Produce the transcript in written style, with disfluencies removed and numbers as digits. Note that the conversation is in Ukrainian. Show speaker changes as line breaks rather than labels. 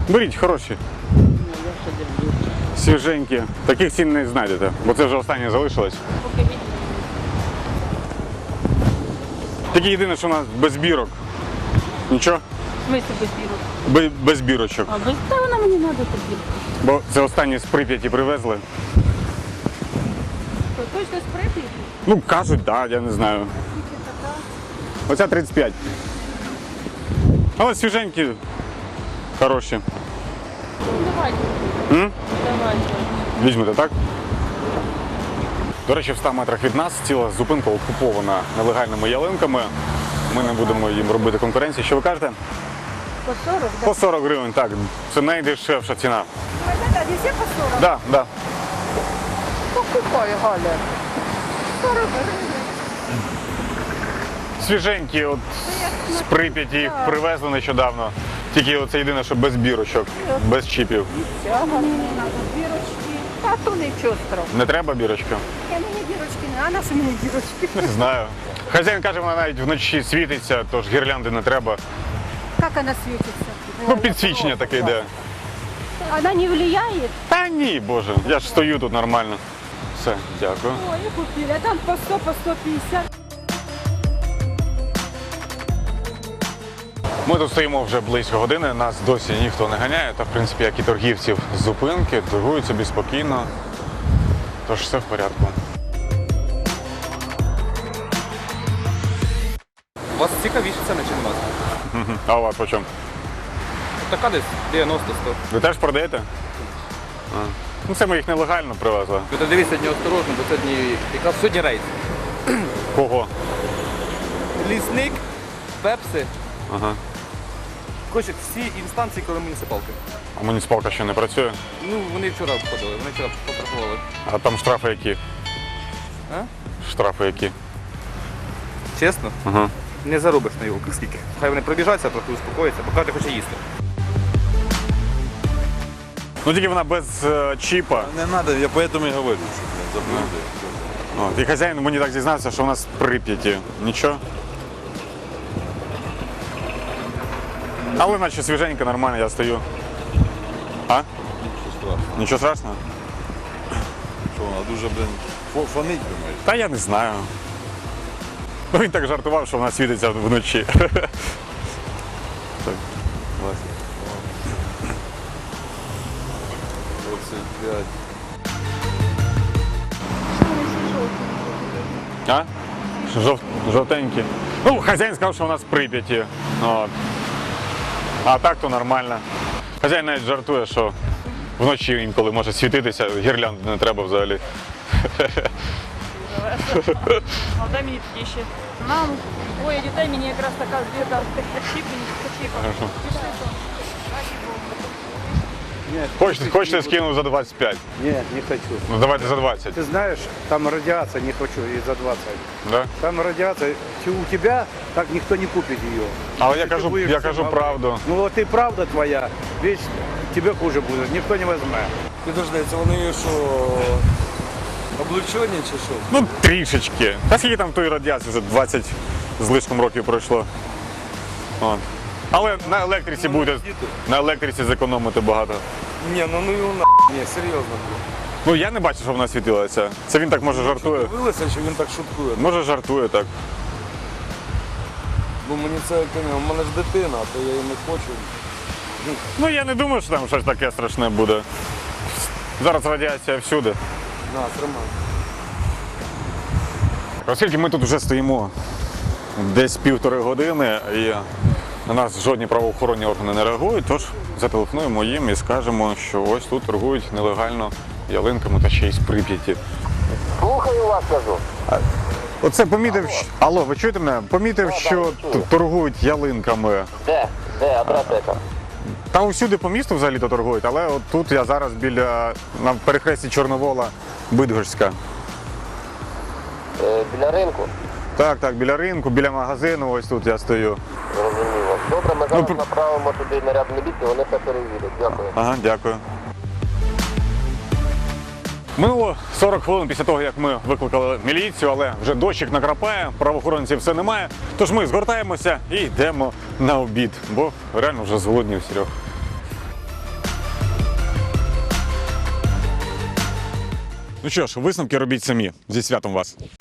Беріть, хороші. Свіженькі. Таких цін не знайдете, бо це вже останнє залишилось. Тільки єдине, що у нас без бірок. Нічого?
В смысле без бірок?
Без бірочок.
А без... Та вона мені треба тобі.
Бо це останні з Прип'яті привезли.
Точно з Прип'яті?
Ну, кажуть, так, я не знаю. Оця 35. Але свіженькі, хороші.
Ну, давайте. Давайте.
Візьмете, так? До речі, в 100 метрах від нас ціла зупинка окупована нелегальними ялинками. Ми не будемо їм робити конкуренції. Що ви кажете?
По 40, да?
По 40 гривень, так. Це найдешевша ціна.
Да, не все по 40?
Так, так.
Покупай, Галя. 40 гривень.
Свіженькі, от з Прип'яті їх привезли нещодавно. Тільки це єдине, що без бірочок, без чіпів.
Цього мені не треба. Бірочки. А то нічого страшного.
Не треба бірочки?
Я мені бірочки не, а на що мені бірочки?
Не знаю. Хазяїн каже, вона навіть вночі світиться, тож гірлянди не треба.
Как она светится?
Ну, підсвічення таке йде.
Она не влияет?
Та ні, боже, я ж стою тут нормально. Все, дякую.
Ой, и купили. А там по 100, по 150.
Ми тут стоїмо вже близько години, нас досі ніхто не ганяє, та в принципі, як і торгівців з зупинки, торгують собі спокійно, тож все в порядку.
У вас цікавіше ціни, ніж у нас.
А у вас по чому?
Така десь 90-100.
Ви теж продаєте? Ну це ми їх нелегально привезли.
Ви дивіться сьогодні осторожно, бо сьогодні якраз сьогодні рейд.
Кого?
Лісник, пепси.
Ага.
Хочуть всі інстанції, коли муніципалки.
А муніципалка ще не працює?
Ну, вони вчора обходили, вони вчора потрапували.
А там штрафи які?
А?
Штрафи які?
Чесно?
Ага.
Не заробиш на його скільки. Хай вони пробіжаться, трохи успокояться, бо кожен хоче їсти.
Ну тільки вона без чіпа.
Не надо, я поэтому и говорю, что заблюдаю.
От, і хазяїн мені так зізнався, що у нас в Прип'яті. Нічого. Але наче свіженько, нормально, я стою. А?
Нічого страшного.
Нічого страшного?
Що вона дуже, фонить, думаєш?
Та я не знаю. Ну він так жартував, що вона світиться вночі. Так.
20.
А? Жовтенькі. Ну, хазяїн сказав, що у нас в Прип'яті. От. А так то нормально. Хазяїн навіть жартує, що вночі інколи може світитися, гірлянди не треба взагалі.
А дай мені такі ще. Нам, ой, дітей мені якраз така збірка чіпа.
Хорошо. Хочете скину за 25?
Нет, не хочу.
Ну давайте за 20.
Ты знаешь, там радиация, не хочу, и за 20.
Да?
Там радиация, у тебя так никто не купит ее.
Але
Если ты будешь
я
всем
кажу
говорить.
правду.
Ну вот и правда твоя, весь тебе хуже будет, никто не возьме.
Підожди, це вони що, облучені чи що?
Ну трішечки. Та скільки там тої радіації, вже 20 з лишком років пройшло. От. Але на електриці буде, на електриці зекономити багато.
Ні, ну його на. Ні, серйозно.
Ну я не бачу, що вона світилася. Це він так може жартує.
Дивилися, чи він так шуткує?
Може жартує так.
Бо мені це, у мене ж дитина, то я її не хочу.
Ну я не думаю, що там щось таке страшне буде. Зараз радіація всюди.
На, тримай.
Оскільки ми тут вже стоїмо десь 1,5 години і на нас жодні правоохоронні органи не реагують, тож зателефонуємо їм і скажемо, що ось тут торгують нелегально ялинками та ще й з Прип'яті.
Слухаю вас, кажу.
Оце помітив, алло, ви чуєте мене? Помітив, що торгують ялинками.
Де? Де адреса яка?
Та усюди по місту взагалі-то торгують, але от тут я зараз на перехресті Чорновола, Бидгорська.
Біля ринку?
Так, біля ринку, біля магазину, ось тут я стою.
Зрозуміло. Добре, ми зараз направимо туди наряд міліції, вони все перевірять. Дякую.
Ага, дякую. Минуло 40 хвилин після того, як ми викликали міліцію, але вже дощик накрапає, правоохоронців все немає. Тож ми згортаємося і йдемо на обід, бо реально вже зголоднів, Серег. Ну що ж, висновки робіть самі. Зі святом вас.